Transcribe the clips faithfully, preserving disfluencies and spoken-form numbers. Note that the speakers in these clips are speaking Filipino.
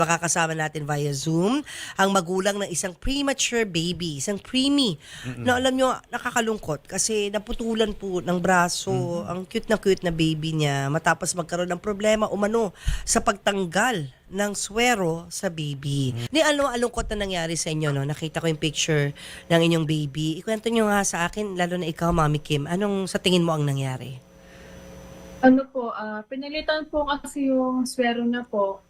Makakasama natin via Zoom ang magulang ng isang premature baby, isang preemie. Mm-mm. Na alam nyo, nakakalungkot kasi naputulan po ng braso, mm-hmm. ang cute na cute na baby niya matapos magkaroon ng problema umano sa pagtanggal ng swero sa baby. Mm-hmm. Ni ano alungkot na nangyari sa inyo, no? Nakita ko yung picture ng inyong baby. Ikwento nyo nga sa akin, lalo na ikaw, Mami Kim, anong sa tingin mo ang nangyari? Ano po, uh, pinalitan po kasi yung swero niya po.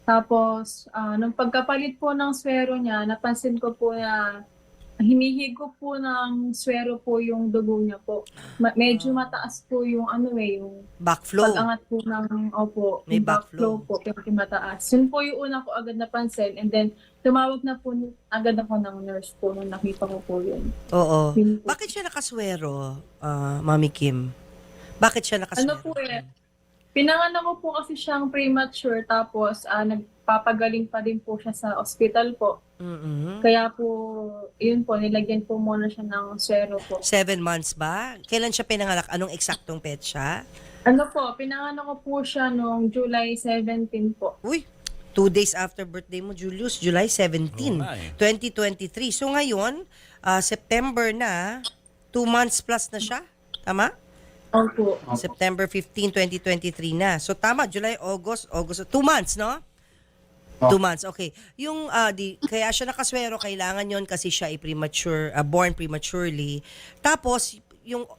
Tapos, uh, nung pagkapalit po ng swero niya, napansin ko po na hinihigo po ng swero po yung dugo niya po. Ma- medyo mataas po yung ano eh, yung backflow. Pag-angat po ng, opo, May yung backflow po, medyo mataas. Yun po yung una ko agad napansin. And then, tumawag na po agad ako ng nurse po nung nakita ko po yun. Oo. Yun po. Bakit siya nakaswero, uh, Mami Kim? Bakit siya nakaswero? Ano po eh, pinanganak ko po kasi siyang premature tapos uh, nagpapagaling pa din po siya sa ospital po. Mm-hmm. Kaya po, yun po, nilagyan po muna siya ng swero po. Seven months ba? Kailan siya pinanganak? Anong eksaktong petsa? Ano po, pinanganak ko po siya noong July seventeenth po. Uy, two days after birthday mo, Julius, July seventeenth, oh, twenty twenty-three. So ngayon, uh, September na, two months plus na siya? Tama? Opo. September fifteenth, twenty twenty-three na. So tama, July, August, August, two months, no? Oh. Two months, okay. Yung, uh, di, kaya siya nakaswero, kailangan yon kasi siya ay premature, uh, born prematurely. Tapos, yung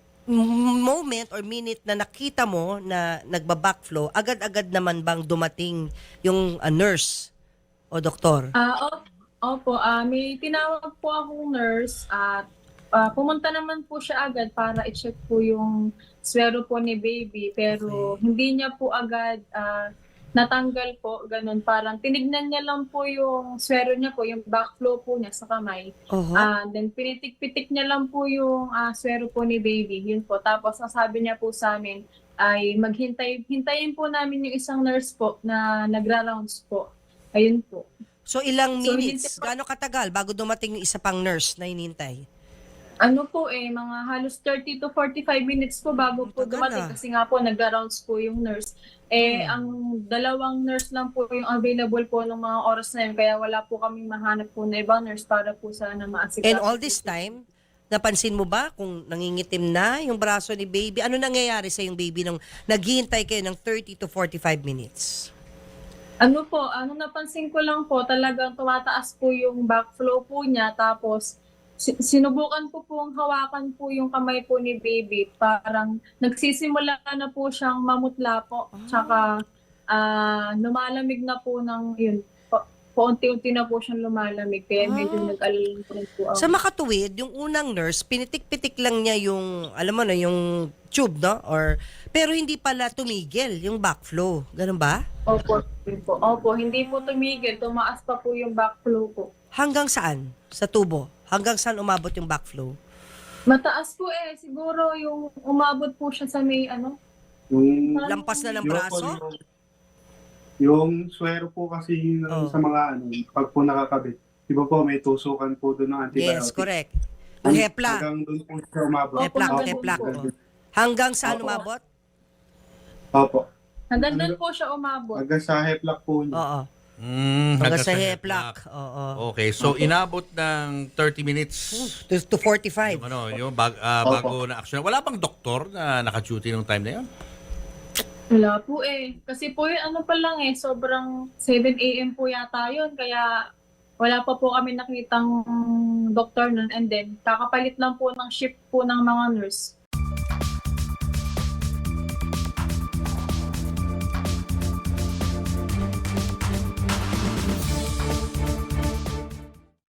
moment or minute na nakita mo na nagba-backflow, agad-agad naman bang dumating yung uh, nurse o doktor? Ah, uh, opo, uh, may tinawag po akong nurse at uh, pumunta naman po siya agad para i-check po yung swero po ni baby, pero okay. Hindi niya po agad uh, natanggal po, ganun. Parang tinignan niya lang po yung swero niya po, yung backflow po niya sa kamay. Uh-huh. Uh, then pinitik-pitik niya lang po yung uh, swero po ni baby, yun po. Tapos ang sabi niya po sa amin ay maghintay, hintayin po namin yung isang nurse po na nagra-rounds po. Ayun po. So ilang So, minutes, hindi- gaano katagal bago dumating yung isa pang nurse na hinintay? Ano po eh, mga halos thirty to forty-five minutes po bago po Tagal dumating ah. kasi nga po nagra-rounds po yung nurse. Eh, Hmm. ang dalawang nurse lang po yung available po ng mga oras na yun, kaya wala po kaming mahanap po na ibang nurse para po sana maasikaso. And all this time, napansin mo ba kung nangingitim na yung braso ni baby? Ano nangyayari sa yung baby nung naghihintay kayo ng thirty to forty-five minutes? Ano po, ano napansin ko lang po, talagang tumataas po yung backflow po niya, tapos si- sinubukan ko pong hawakan po yung kamay po ni baby. Parang nagsisimula na po siyang mamutla po. Tsaka ah, lumalamig na po ng yun. Pa- Paunti-unti na po siyang lumalamig. Kaya medyo Ah. nag-alala po rin po ako. Sa makatuwid, yung unang nurse, pinitik-pitik lang niya yung, alam mo na, yung tube, no? Or, pero hindi pala tumigil yung backflow. Ganun ba? Opo, yun po. Opo, hindi po tumigil. Tumaas pa po yung backflow po. Hanggang saan? Sa tubo? Hanggang saan umabot yung backflow? Mataas po eh. Siguro yung umabot po siya sa may ano. Yung, Lampas na ng yung, braso? yung, yung swero po kasi ng- Oh. sa mga ano, pag po nakakabit, di ba po may tusukan po doon ng antibiotic? Yes, correct. Yung hepla. Hanggang doon po siya umabot. Opo, Heplak, hanggang heplak. doon po. oo. Hanggang saan Opo. umabot? Opo. Hanggang doon po siya umabot. Hanggang sa heplak po niya. Oo. Mm, Hanggang sa heplak. Oo. Okay, so inabot ng thirty minutes. To, to forty-five. Yung ano, yung bag, ah, Opo. bago na action. Wala bang doktor na naka-duty nung time na yun? Wala po eh. Kasi po yun, ano pa lang eh, sobrang seven a.m. po yata yun. Kaya wala pa po kami nakitang doktor nun. And then, kakapalit lang po ng shift po ng mga nurse.